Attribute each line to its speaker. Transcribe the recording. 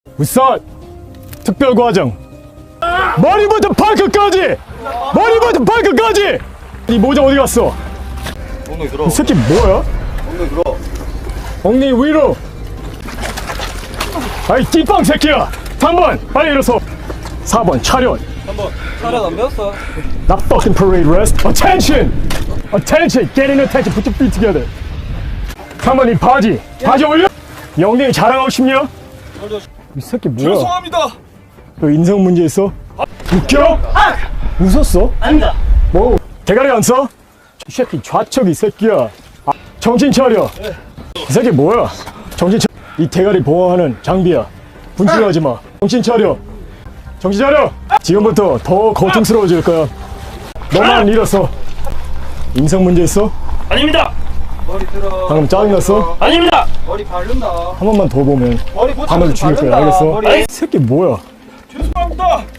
Speaker 1: 우선 특별과정 머리부터 발끝까지 이 모자 어디 갔어?
Speaker 2: 엉덩이 들어.
Speaker 1: 이 새끼 뭐야?
Speaker 2: 엉덩이 들어.
Speaker 1: 엉덩이 위로. 아이 띠빵 새끼야. 3번 빨리 일어서. 4번 차렷.
Speaker 2: 한번 차렷 안 배웠어?
Speaker 1: Not fucking parade rest. Attention. Get in attention. Put your feet together. 3번 이 바지 올려. 이 엉덩이 자랑하고 싶냐? 이 새끼 뭐야?
Speaker 2: 죄송합니다.
Speaker 1: 너 인성 문제 있어? 웃겨? 웃었어?
Speaker 3: 아닙니다.
Speaker 1: 뭐 대가리 안 써? 이 새끼 좌측 이 새끼야. 정신 차려. 이 새끼 뭐야? 정신 차려. 이 대가리 보호하는 장비야. 분출하지 마. 정신 차려. 정신 차려. 지금부터 더 고통스러워질 거야. 너만 잃었어. 인성 문제 있어?
Speaker 3: 아닙니다.
Speaker 2: 머리 들어.
Speaker 1: 방금 짜증났어?
Speaker 3: 아닙니다.
Speaker 2: 머리 바른다.
Speaker 1: 한 번만 더 보면
Speaker 2: 머리
Speaker 1: 바늘 죽일 거야. 알겠어? 이 새끼 뭐야?
Speaker 2: 죄송합니다.